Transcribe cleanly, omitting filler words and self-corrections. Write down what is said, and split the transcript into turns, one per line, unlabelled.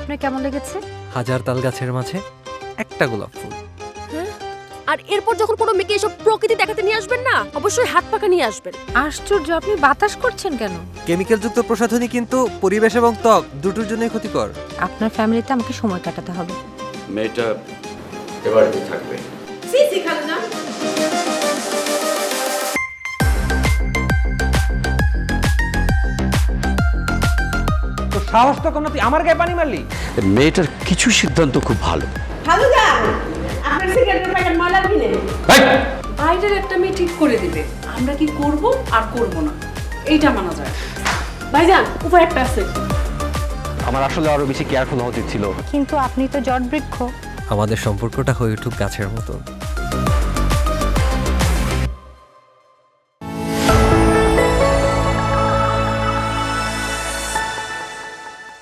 আপনার কেমন লেগেছে?
হাজার তাল গাছের মাঝে একটা গোলাপ ফুল।
আর এরপর যখন কোনো মেয়েকে এসব প্রকৃতি দেখাতে নিয়ে আসবেন না, অবশ্যই হাত পাকা নিয়ে আসবেন।
আশ্চর্য, আপনি বাতাস করছেন কেন?
কেমিক্যালযুক্ত প্রসাধনী কিন্তু পরিবেশ এবং ত্বক দুটোর জন্যই ক্ষতিকর।
আপনার ফ্যামিলিতে আমাকে সময় কাটাতে হবে।
মেয়েটা এবারে থাকবে।
তো সাহস তো কোনো, তুই আমার গায়ে পানি মারলি?
মেয়েটার কিছু সিদ্ধান্ত খুব ভালো।
আপনার সিগারেটের প্যাকেট ময়লা কিনে বাইরের একটা মেয়ে ঠিক করে দিবে, আমরা কি করব আর করব না এইটা মানা যায়। ভাইজান উপায় একটা আছে।
আমার আসলে আরো বেশি কেয়ারফুল হওয়া উচিত ছিল।
কিন্তু আপনি তো জট বৃক্ষ।
আমাদের সম্পর্কটা হয়ে উঠুক গাছের মতো।